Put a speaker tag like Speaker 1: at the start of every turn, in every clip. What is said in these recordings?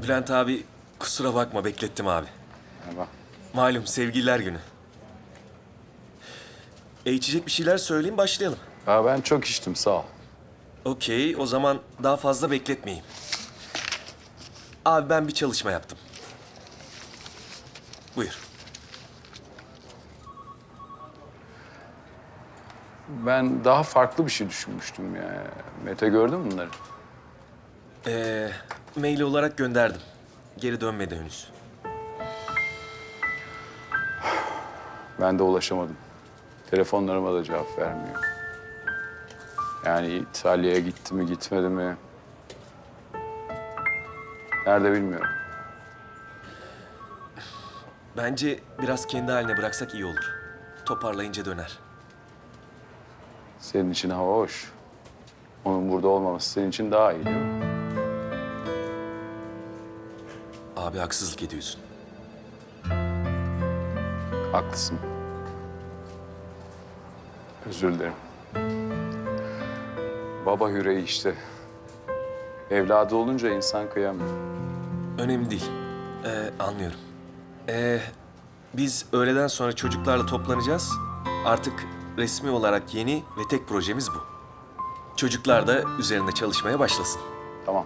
Speaker 1: Bülent abi kusura bakma beklettim abi.
Speaker 2: Merhaba.
Speaker 1: Malum sevgililer günü. İçecek bir şeyler söyleyeyim başlayalım.
Speaker 2: Ben çok içtim, sağ ol.
Speaker 1: Okey, o zaman daha fazla bekletmeyeyim. Abi ben bir çalışma yaptım. Buyur.
Speaker 2: Ben daha farklı bir şey düşünmüştüm ya. Mete gördün mü bunları?
Speaker 1: Mail olarak gönderdim. Geri dönmedi henüz.
Speaker 2: Ben de ulaşamadım. Telefonlarıma da cevap vermiyor. Yani İtalya'ya gitti mi, gitmedi mi? Nerede bilmiyorum.
Speaker 1: Bence biraz kendi haline bıraksak iyi olur. Toparlayınca döner.
Speaker 2: Senin için hava hoş. Onun burada olmaması senin için daha iyi değil mi?
Speaker 1: Abi haksızlık ediyorsun.
Speaker 2: Haklısın. Özür dilerim. Baba yüreği işte. Evladı olunca insan kıyamıyor.
Speaker 1: Önemli değil. Anlıyorum. Biz öğleden sonra çocuklarla toplanacağız. Artık resmi olarak yeni ve tek projemiz bu. Çocuklar da üzerinde çalışmaya başlasın.
Speaker 2: Tamam.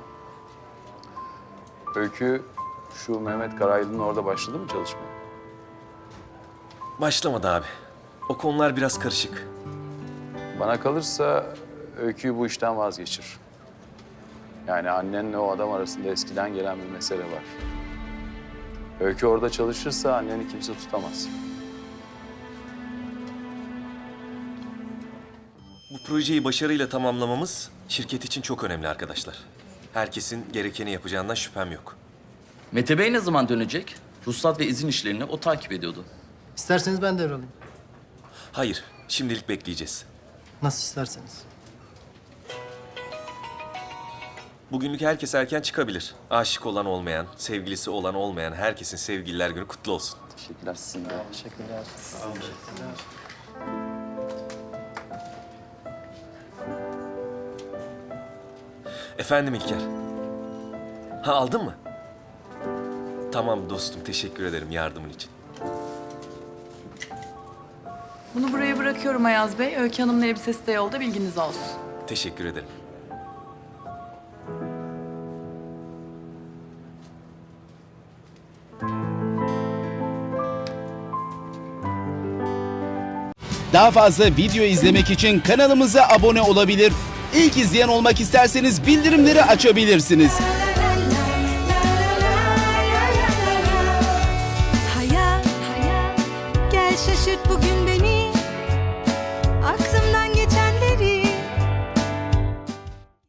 Speaker 2: Öykü şu Mehmet Karaylı'nın orada başladı mı çalışmaya?
Speaker 1: Başlamadı abi. O konular biraz karışık.
Speaker 2: Bana kalırsa Öykü'yü bu işten vazgeçir. Yani annenle o adam arasında eskiden gelen bir mesele var. Öykü orada çalışırsa anneni kimse tutamaz.
Speaker 1: Bu projeyi başarıyla tamamlamamız şirket için çok önemli arkadaşlar. Herkesin gerekeni yapacağından şüphem yok.
Speaker 3: Mete Bey ne zaman dönecek? Ruhsat ve izin işlerini o takip ediyordu.
Speaker 4: İsterseniz ben devralayım.
Speaker 1: Hayır, şimdilik bekleyeceğiz.
Speaker 4: Nasıl isterseniz.
Speaker 1: Bugünlük herkes erken çıkabilir. Aşık olan olmayan, sevgilisi olan olmayan herkesin sevgililer günü kutlu olsun.
Speaker 2: Teşekkürler sizin de.
Speaker 4: Teşekkürler.
Speaker 1: Efendim İlker. Ha aldın mı? Tamam dostum, teşekkür ederim yardımın için.
Speaker 5: Bunu buraya bırakıyorum Ayaz Bey. Öykü Hanım'ın elbisesi de yolda, bilginiz olsun.
Speaker 1: Teşekkür ederim.
Speaker 6: Daha fazla video izlemek için kanalımıza abone olabilir. İlk izleyen olmak isterseniz bildirimleri açabilirsiniz.